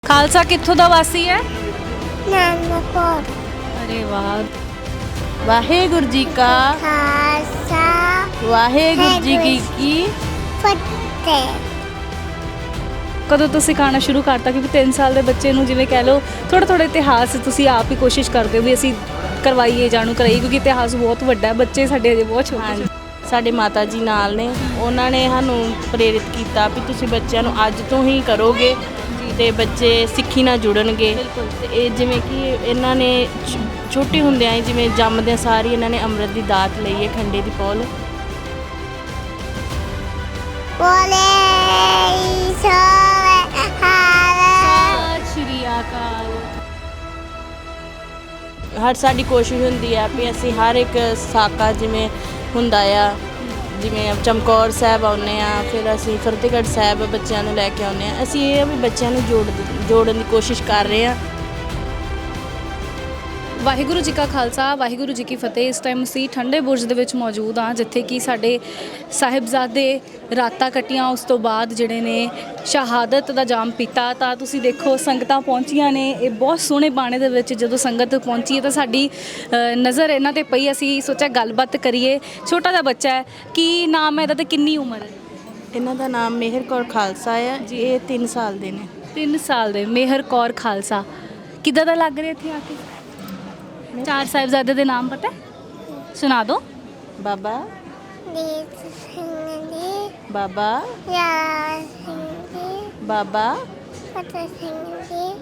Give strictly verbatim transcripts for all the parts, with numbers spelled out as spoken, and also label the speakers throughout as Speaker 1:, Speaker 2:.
Speaker 1: ਖਾਲਸਾ ਕਿੱਥੋਂ ਦਾ ਵਾਸੀ ਹੈ?
Speaker 2: ਨਾਨਕਪੁਰ।
Speaker 1: ਅਰੇ ਵਾਹ।
Speaker 3: ਵਾਹਿਗੁਰੂ ਜੀ ਕਾ
Speaker 2: ਖਾਲਸਾ
Speaker 3: ਵਾਹਿਗੁਰੂ ਜੀ ਕੀ ਕੀ
Speaker 2: ਫਤਿਹ।
Speaker 1: ਕਦੋਂ ਤੋਂ ਸਿਖਾਉਣਾ ਸ਼ੁਰੂ ਕਰਤਾ? ਕਿਉਂਕਿ ਤਿੰਨ ਸਾਲ ਦੇ ਬੱਚੇ ਨੂੰ ਜਿਵੇਂ ਕਹਿ ਲਓ ਥੋੜਾ ਥੋੜਾ ਇਤਿਹਾਸ ਤੁਸੀਂ ਆਪ ਹੀ ਕੋਸ਼ਿਸ਼ ਕਰਦੇ ਹੋ ਵੀ ਅਸੀਂ ਕਰਵਾਈਏ, ਜਾਣੂ ਕਰਾਈਏ, ਕਿਉਂਕਿ ਇਤਿਹਾਸ ਬਹੁਤ ਵੱਡਾ ਹੈ। ਬੱਚੇ ਸਾਡੇ ਅਜੇ ਬਹੁਤ ਛੋਟੇ
Speaker 3: ਹਾਂਜੀ,
Speaker 1: ਛੋਟੇ।
Speaker 3: ਸਾਡੇ ਮਾਤਾ ਜੀ ਨਾਲ ਨੇ, ਉਹਨਾਂ ਨੇ ਸਾਨੂੰ ਪ੍ਰੇਰਿਤ ਕੀਤਾ ਵੀ ਤੁਸੀਂ ਬੱਚਿਆਂ ਨੂੰ ਅੱਜ ਤੋਂ ਹੀ ਕਰੋਗੇ ਤੇ ਬੱਚੇ ਸਿੱਖੀ ਨਾਲ ਜੁੜਨਗੇ। ਤੇ ਇਹ ਜਿਵੇਂ ਕਿ ਇਹਨਾਂ ਨੇ ਛ- ਛੋਟੇ ਹੁੰਦਿਆਂ ਹੀ ਜਿਵੇਂ ਜੰਮਦਿਆਂ ਸਾਰ ਹੀ ਇਹਨਾਂ ਨੇ ਅੰਮ੍ਰਿਤ ਦੀ ਦਾਤ ਲਈ ਹੈ, ਖੰਡੇ ਦੀ ਪੌਲ।
Speaker 2: ਬੋਲੇ ਸੋਵੇ ਹਾਰੇ।
Speaker 1: ਸਤਿ ਸ਼੍ਰੀ ਅਕਾਲ।
Speaker 3: ਹਰ ਸਾਡੀ ਕੋਸ਼ਿਸ਼ ਹੁੰਦੀ ਹੈ ਵੀ ਅਸੀਂ ਹਰ ਇੱਕ ਸਾਕਾ ਜਿਵੇਂ ਹੁੰਦਾ ਆ, ਜਿਵੇਂ ਚਮਕੌਰ ਸਾਹਿਬ ਆਉਂਦੇ ਆ, ਫਿਰ ਅਸੀਂ ਫਤਿਹਗੜ੍ਹ ਸਾਹਿਬ ਬੱਚਿਆਂ ਨੂੰ ਲੈ ਕੇ ਆਉਂਦੇ ਆ। ਅਸੀਂ ਇਹ ਆ ਵੀ ਬੱਚਿਆਂ ਨੂੰ ਜੋੜ ਜੋੜਨ ਦੀ ਕੋਸ਼ਿਸ਼ ਕਰ ਰਹੇ ਹਾਂ।
Speaker 1: ਵਾਹਿਗੁਰੂ ਜੀ ਕਾ ਖਾਲਸਾ, ਵਾਹਿਗੁਰੂ ਜੀ ਕੀ ਫਤਿਹ। ਇਸ ਟਾਈਮ ਅਸੀਂ ਠੰਡੇ ਬੁਰਜ ਦੇ ਵਿੱਚ ਮੌਜੂਦ ਹਾਂ, ਜਿੱਥੇ ਕਿ ਸਾਡੇ ਸਾਹਿਬਜ਼ਾਦੇ ਰਾਤਾਂ ਕੱਟੀਆਂ, ਉਸ ਤੋਂ ਬਾਅਦ ਜਿਹੜੇ ਨੇ ਸ਼ਹਾਦਤ ਦਾ ਜਾਮ ਪੀਤਾ। ਤਾਂ ਤੁਸੀਂ ਦੇਖੋ ਸੰਗਤਾਂ ਪਹੁੰਚੀਆਂ ਨੇ। ਇਹ ਬਹੁਤ ਸੋਹਣੇ ਬਾਣੇ ਦੇ ਵਿੱਚ ਜਦੋਂ ਸੰਗਤ ਪਹੁੰਚੀ ਹੈ ਤਾਂ ਸਾਡੀ ਅ, ਨਜ਼ਰ ਇਹਨਾਂ ਤੇ ਪਈ। ਅਸੀਂ ਸੋਚਿਆ ਗੱਲਬਾਤ ਕਰੀਏ। ਛੋਟਾ ਜਿਹਾ ਬੱਚਾ ਹੈ, ਕੀ ਨਾਮ ਹੈ ਇਹਦਾ ਤੇ ਕਿੰਨੀ ਉਮਰ ਹੈ?
Speaker 3: ਇਹਨਾਂ ਦਾ ਨਾਮ ਮਿਹਰ ਕੌਰ ਖਾਲਸਾ ਆ ਜੀ। ਇਹ ਤਿੰਨ ਸਾਲ ਦੇ ਨੇ।
Speaker 1: ਤਿੰਨ ਸਾਲ ਦੇ ਮਿਹਰ ਕੌਰ ਖਾਲਸਾ। ਕਿੱਦਾਂ ਦਾ ਲੱਗ ਰਿਹਾ ਇੱਥੇ ਆ ਕੇ? ਚਾਰ ਸਾਹਿਬਜ਼ਾਦੇ ਦੇ ਨਾਮ ਪਤਾ ਹੈ? ਸੁਣਾ ਦਿਓ।
Speaker 3: ਬਾਬਾ
Speaker 2: ਦੀਪ ਸਿੰਘ ਜੀ,
Speaker 3: ਬਾਬਾ
Speaker 2: ਯਾਰ ਸਿੰਘ ਜੀ,
Speaker 3: ਬਾਬਾ
Speaker 2: ਫਤਿਹ ਸਿੰਘ ਜੀ।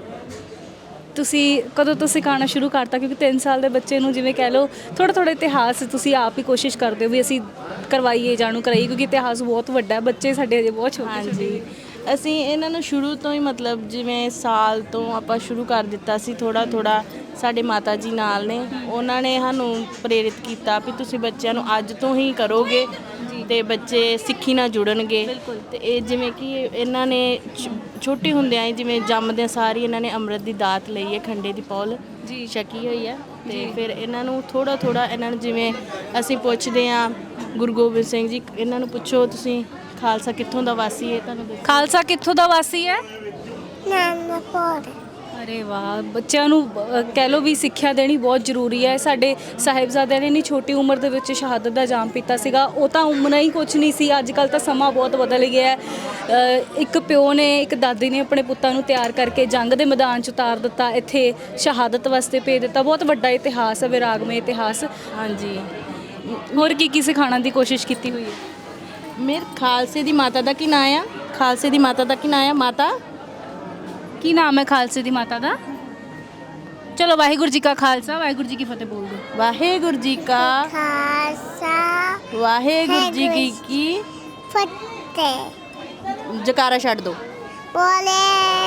Speaker 1: ਤੁਸੀਂ ਕਦੋਂ ਤੋਂ ਸਿਖਾਉਣਾ ਸ਼ੁਰੂ ਕਰਤਾ? ਕਿਉਂਕਿ ਤਿੰਨ ਸਾਲ ਦੇ ਬੱਚੇ ਨੂੰ ਜਿਵੇਂ ਕਹਿ ਲਓ ਥੋੜਾ ਥੋੜਾ ਇਤਿਹਾਸ ਤੁਸੀਂ ਆਪ ਹੀ ਕੋਸ਼ਿਸ਼ ਕਰਦੇ ਹੋ ਵੀ ਅਸੀਂ ਕਰਵਾਈਏ, ਜਾਣੂ ਕਰਾਈਏ, ਕਿਉਂਕਿ ਇਤਿਹਾਸ ਬਹੁਤ ਵੱਡਾ ਹੈ। ਬੱਚੇ ਸਾਡੇ ਅਜੇ ਬਹੁਤ ਛੋਟੇ
Speaker 3: ਹਾਂਜੀ,
Speaker 1: ਛੋਟੇ।
Speaker 3: ਅਸੀਂ ਇਹਨਾਂ ਨੂੰ ਸ਼ੁਰੂ ਤੋਂ ਹੀ ਮਤਲਬ ਜਿਵੇਂ ਸਾਲ ਤੋਂ ਆਪਾਂ ਸ਼ੁਰੂ ਕਰ ਦਿੱਤਾ ਸੀ ਥੋੜਾ ਥੋੜਾ। ਸਾਡੇ ਮਾਤਾ ਜੀ ਨਾਲ ਨੇ, ਉਹਨਾਂ ਨੇ ਸਾਨੂੰ ਪ੍ਰੇਰਿਤ ਕੀਤਾ ਵੀ ਤੁਸੀਂ ਬੱਚਿਆਂ ਨੂੰ ਅੱਜ ਤੋਂ ਹੀ ਕਰੋਗੇ ਤੇ ਬੱਚੇ ਸਿੱਖੀ ਨਾਲ ਜੁੜਨਗੇ। ਤੇ ਇਹ ਜਿਵੇਂ ਕਿ ਇਹਨਾਂ ਨੇ ਛ- ਛੋਟੇ ਹੁੰਦਿਆਂ ਹੀ ਜਿਵੇਂ ਜੰਮਦਿਆਂ ਸਾਰ ਹੀ ਇਹਨਾਂ ਨੇ ਅੰਮ੍ਰਿਤ ਦੀ ਦਾਤ ਲਈ ਹੈ, ਖੰਡੇ ਦੀ ਪੌਲ
Speaker 1: ਜੀ।
Speaker 3: ਛਕੀ ਹੋਈ ਹੈ। ਤੇ ਫਿਰ ਇਹਨਾਂ ਨੂੰ ਥੋੜਾ ਥੋੜਾ ਇਹਨਾਂ ਨੂੰ ਜਿਵੇਂ ਅਸੀਂ ਪੁੱਛਦੇ ਹਾਂ ਗੁਰੂ ਗੋਬਿੰਦ ਸਿੰਘ ਜੀ, ਇਹਨਾਂ ਨੂੰ ਪੁੱਛੋ ਤੁਸੀਂ ਖਾਲਸਾ ਕਿੱਥੋਂ ਦਾ ਵਾਸੀ ਹੈ, ਤੁਹਾਨੂੰ ਦੱਸੋ।
Speaker 1: ਖਾਲਸਾ ਕਿੱਥੋਂ ਦਾ ਵਾਸੀ ਹੈ?
Speaker 2: ਨਾਨਕਪੁਰ।
Speaker 1: ਅਰੇ ਵਾਹ। ਬੱਚਿਆਂ ਨੂੰ ਅ, ਕਹਿ ਲਓ ਵੀ ਸਿੱਖਿਆ ਦੇਣੀ ਬਹੁਤ ਜ਼ਰੂਰੀ ਹੈ। ਸਾਡੇ ਸਾਹਿਬਜ਼ਾਦਿਆਂ ਨੇ ਇੰਨੀ ਛੋਟੀ ਉਮਰ ਦੇ ਵਿੱਚ ਸ਼ਹਾਦਤ ਦਾ ਜਾਮ ਪੀਤਾ ਸੀਗਾ। ਉਹ ਤਾਂ ਉਮਰਾਂ ਹੀ ਕੁਛ ਨਹੀਂ ਸੀ। ਅੱਜ ਕੱਲ੍ਹ ਤਾਂ ਸਮਾਂ ਬਹੁਤ ਬਦਲ ਗਿਆ ਹੈ। ਅ, ਇੱਕ ਪਿਓ ਨੇ, ਇੱਕ ਦਾਦੀ ਨੇ ਆਪਣੇ ਪੁੱਤਾਂ ਨੂੰ ਤਿਆਰ ਕਰਕੇ ਜੰਗ ਦੇ ਮੈਦਾਨ 'ਚ ਉਤਾਰ ਦਿੱਤਾ, ਇੱਥੇ ਸ਼ਹਾਦਤ ਵਾਸਤੇ ਭੇਜ ਦਿੱਤਾ। ਬਹੁਤ ਵੱਡਾ ਇਤਿਹਾਸ ਹੈ, ਵਿਰਾਗਮਈ ਇਤਿਹਾਸ।
Speaker 3: ਹਾਂਜੀ,
Speaker 1: ਹੋਰ ਕੀ ਕੀ ਸਿਖਾਉਣ ਦੀ ਕੋਸ਼ਿਸ਼ ਕੀਤੀ ਹੋਈ ਹੈ?
Speaker 3: ਮੇਰੇ ਖਾਲਸੇ ਦੀ ਮਾਤਾ ਦਾ ਕੀ ਨਾਂ ਆ? ਖਾਲਸੇ ਦੀ ਮਾਤਾ ਦਾ ਕੀ ਨਾਂ ਆ? ਮਾਤਾ
Speaker 1: ਕੀ ਨਾਮ ਹੈ ਖਾਲਸੇ ਦੀ ਮਾਤਾ ਦਾ? ਚਲੋ ਵਾਹਿਗੁਰੂ ਜੀ ਕਾ ਖਾਲਸਾ, ਵਾਹਿਗੁਰੂ ਜੀ ਕੀ ਫਤਿਹ ਬੋਲ ਦਿਓ।
Speaker 3: ਵਾਹਿਗੁਰੂ ਜੀ ਕਾ
Speaker 2: ਖਾਲਸਾ
Speaker 3: ਵਾਹਿਗੁਰੂ ਜੀ ਕੀ ਕੀ
Speaker 2: ਫਤਿਹ।
Speaker 3: ਜਕਾਰਾ ਛੱਡ ਦੋ।
Speaker 2: ਬੋਲੇ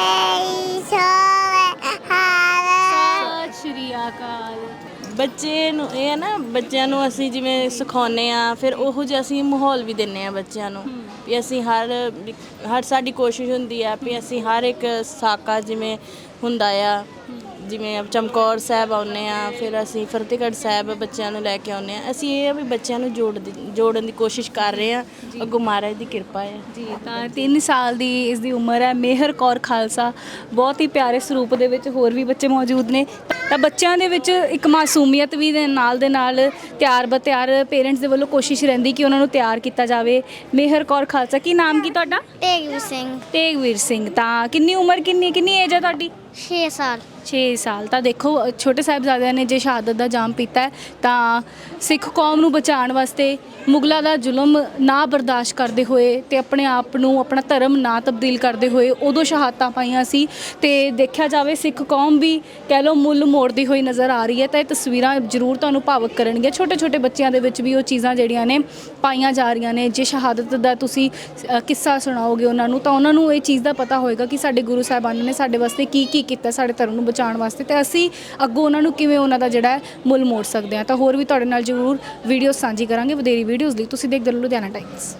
Speaker 2: ਸੋਵੇ ਹਾਰੇ।
Speaker 1: ਸਤਿ ਸ਼੍ਰੀ ਅਕਾਲ।
Speaker 3: ਬੱਚੇ ਨੂੰ ਇਹ ਹੈ ਨਾ, ਬੱਚਿਆਂ ਨੂੰ ਅਸੀਂ ਜਿਵੇਂ ਸਿਖਾਉਂਦੇ ਆ, ਫਿਰ ਉਹੋ ਜਿਹਾ ਅਸੀਂ ਮਾਹੌਲ ਵੀ ਦਿੰਦੇ ਆ ਬੱਚਿਆਂ ਨੂੰ ਵੀ ਅਸੀਂ ਹਰ ਹਰ ਸਾਡੀ ਕੋਸ਼ਿਸ਼ ਹੁੰਦੀ ਆ ਵੀ ਅਸੀਂ ਹਰ ਇੱਕ ਸਾਕਾ ਜਿਵੇਂ ਹੁੰਦਾ ਆ, ਜਿਵੇਂ ਚਮਕੌਰ ਸਾਹਿਬ ਆਉਂਦੇ ਆ, ਫਿਰ ਅਸੀਂ ਫਤਿਹਗੜ੍ਹ ਸਾਹਿਬ ਬੱਚਿਆਂ ਨੂੰ ਲੈ ਕੇ ਆਉਂਦੇ ਆ। ਅਸੀਂ ਇਹ ਆ ਵੀ ਬੱਚਿਆਂ ਨੂੰ ਜੋੜ ਜੋੜਨ ਦੀ ਕੋਸ਼ਿਸ਼ ਕਰ ਰਹੇ ਆ। ਅੱਗੋਂ ਮਹਾਰਾਜ ਦੀ ਕਿਰਪਾ ਹੈ
Speaker 1: ਜੀ। ਤਾਂ ਤਿੰਨ ਸਾਲ ਦੀ ਇਸ ਦੀ ਉਮਰ ਹੈ। ਮਿਹਰ ਕੌਰ ਖਾਲਸਾ ਬਹੁਤ ਹੀ ਪਿਆਰੇ ਸਰੂਪ ਦੇ ਵਿੱਚ ਹੋਰ ਵੀ ਬੱਚੇ ਮੌਜੂਦ ਨੇ। ਤਾਂ ਬੱਚਿਆਂ ਦੇ ਵਿੱਚ ਇੱਕ ਮਾਸੂਮੀਅਤ ਵੀ ਦੇ ਨਾਲ ਦੇ ਨਾਲ ਤਿਆਰ ਬਤਿਆਰ ਪੇਰੈਂਟਸ ਦੇ ਵੱਲੋਂ ਕੋਸ਼ਿਸ਼ ਰਹਿੰਦੀ ਕਿ ਉਹਨਾਂ ਨੂੰ ਤਿਆਰ ਕੀਤਾ ਜਾਵੇ। ਮਿਹਰ ਕੌਰ ਖਾਲਸਾ, ਕੀ ਨਾਮ ਕੀ ਤੁਹਾਡਾ?
Speaker 2: ਤੇਗਵੀਰ ਸਿੰਘ।
Speaker 1: ਤੇਗਵੀਰ ਸਿੰਘ। ਤਾਂ ਕਿੰਨੀ ਉਮਰ, ਕਿੰਨੀ ਕਿੰਨੀ ਏਜ ਹੈ ਤੁਹਾਡੀ?
Speaker 2: ਛੇ ਸਾਲ।
Speaker 1: ਛੇ ਸਾਲ। ਤਾਂ ਦੇਖੋ ਛੋਟੇ ਸਾਹਿਬਜ਼ਾਦਿਆਂ ਨੇ ਜੇ ਸ਼ਹਾਦਤ ਦਾ ਜਾਮ ਪੀਤਾ ਹੈ ਤਾਂ ਸਿੱਖ ਕੌਮ ਨੂੰ ਬਚਾਉਣ ਵਾਸਤੇ ਮੁਗਲਾਂ ਦਾ ਜ਼ੁਲਮ ਨਾ ਬਰਦਾਸ਼ਤ ਕਰਦੇ ਹੋਏ ਤੇ ਆਪਣੇ ਆਪ ਨੂੰ, ਆਪਣਾ ਧਰਮ ਨਾ ਤਬਦੀਲ ਕਰਦੇ ਹੋਏ ਉਦੋਂ ਸ਼ਹਾਦਤਾਂ ਪਾਈਆਂ ਸੀ। ਤੇ ਦੇਖਿਆ ਜਾਵੇ ਸਿੱਖ ਕੌਮ ਵੀ ਕਹਿ ਲਓ ਮੁੱਲ ਮੋੜਦੀ ਹੋਈ ਨਜ਼ਰ ਆ ਰਹੀ ਹੈ। ਤਾਂ ਇਹ ਤਸਵੀਰਾਂ ਜ਼ਰੂਰ ਤੁਹਾਨੂੰ ਭਾਵੁਕ ਕਰਨਗੀਆਂ। ਛੋਟੇ ਛੋਟੇ ਬੱਚਿਆਂ ਦੇ ਵਿੱਚ ਵੀ ਉਹ ਚੀਜ਼ਾਂ ਜਿਹੜੀਆਂ ਨੇ ਪਾਈਆਂ ਜਾ ਰਹੀਆਂ ਨੇ। ਜੇ ਸ਼ਹਾਦਤ ਦਾ ਤੁਸੀਂ ਅ, ਕਿੱਸਾ ਸੁਣਾਓਗੇ ਉਹਨਾਂ ਨੂੰ ਤਾਂ ਉਹਨਾਂ ਨੂੰ ਇਹ ਚੀਜ਼ ਦਾ ਪਤਾ ਹੋਏਗਾ ਕਿ ਸਾਡੇ ਗੁਰੂ ਸਾਹਿਬਾਨ ਨੇ ਸਾਡੇ ਵਾਸਤੇ ਕੀ ਕੀ ਕੀਤਾ, ਸਾਡੇ ਧਰਮ ਨੂੰ ਬਚਾਉਣ ਵਾਸਤੇ, ਤੇ ਅਸੀਂ ਅੱਗੋਂ ਉਹਨਾਂ ਨੂੰ ਕਿਵੇਂ ਉਹਨਾਂ ਦਾ ਜਿਹੜਾ ਮੁੱਲ ਮੋੜ ਸਕਦੇ ਹਾਂ। ਤਾਂ ਹੋਰ ਵੀ ਤੁਹਾਡੇ ਨਾਲ ਜ਼ਰੂਰ ਵੀਡੀਓ ਸਾਂਝੀ ਕਰਾਂਗੇ। ਵਧੇਰੀ ਵੀਡੀਓਜ਼ ਲਈ ਤੁਸੀਂ ਦੇਖਦੇ ਰਹੋ ਲੁਧਿਆਣਾ ਟਾਈਮਸ।